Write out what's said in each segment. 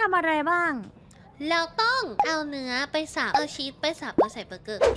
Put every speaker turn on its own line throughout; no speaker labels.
ำอะไรบ้าง
เราต้องเอาเนื้อไปสับเอาชีสไปสับแล้วใส่เบอร์เกอร์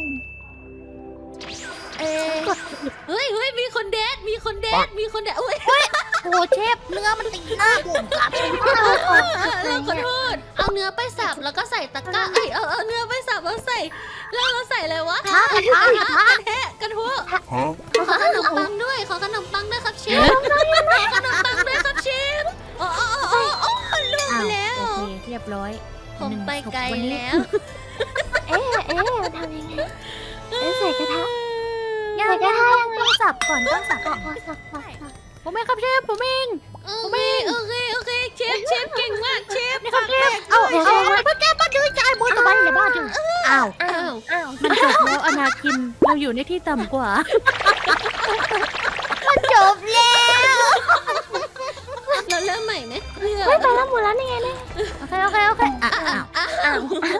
เอ้ยเฮ้ยมีคนเดทอุ้ย
โอ้เชฟเนื้อมันติดหน้าผมครับ
เราขอโทษเอาเนื้อไปสับแล้วก็ใส่ตะกร้าเอาเนื้อไปสับแล้วใส่แล้วเราใส่อะไรวะกระทะขอขนมปังด้วยครับเชฟขนมปังด้วยครับเชฟอ๋อล่วงแล้ว
โอเคเรียบร้อย
ผมไปไกลแล้ว
เอ๊ะทำยังไงใส่กระทะ
ยังต้องสับก่อนต้องสับ
สับ
ผมเองครับเชฟผมเอง
โอเคเชฟเก่งมากเชฟ
นี่ครับเชฟเอาเพื่อแกมาดื้อใจมือตะบันอย่าบ้าดื้ออ้าว มันจบแล้วอนาคินเราอยู่ในที่ต่ำกว่า
มันจบแล้ว
เราเริ่มใหม่ไหมเพื่อ
ไปแล้วหมดแล้วนี่ไงเนี่ย
โอเคอ้าว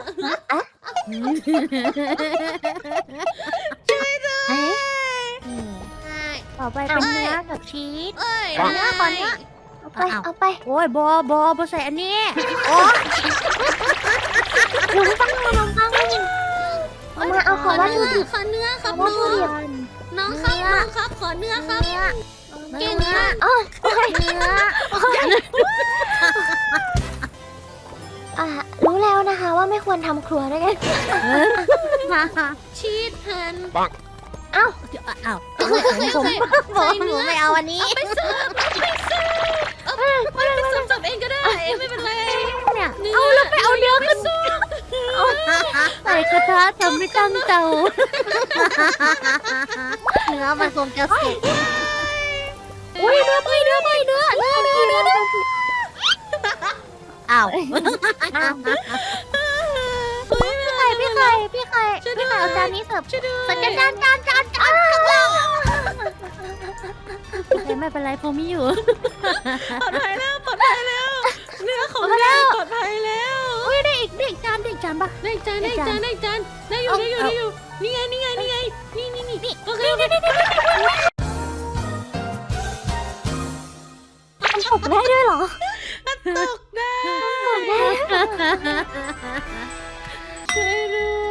ช่วยด้วย
ต่อไปเป็นเนื้อกับชีส
เอ้ย
เนื้อก่อนเนื้อ
เอาไป
โอ้ยบอใส่อันนี้โอ้
ขนมปังเอามาเอาของวัตถุดิบ
ขอเนื้อครับ
วัต
น้
ถุดิบ
องครับขอเนื้อครับ เก่งมาก
อ๋อ
เนื้อ
รู้แล้วนะคะว่าไม่ควรทำครัวด้วยกัน
ชีสหั่น
อ้าวผม
ใส่เนื้อ
ไม่เอาอันนี้
ไปเสิร์ฟสับเองก็ได้ไม่เป็นไร
เนี่ย
เอาแล้วไปเอาเนื้อขึ้น
ใส่กระทะทำไม่ตั้งเตาเนื้อมันคงจะสุกอุ้ยเนื้ออ้าวพี่ไข่เอาจานนี้เสิร์ฟจานไม่เป็นไรผมมีอยู่
ปลอดภัยแล้วเนื้อของเราปลอดภัยแล้ว
อุ้ยได้อีกจานปะ
ได้จานได้อยู่นี่ไงนี่โอเค
มันตกได้ด้วยเหรอ
ตกได้ช่วยด้วย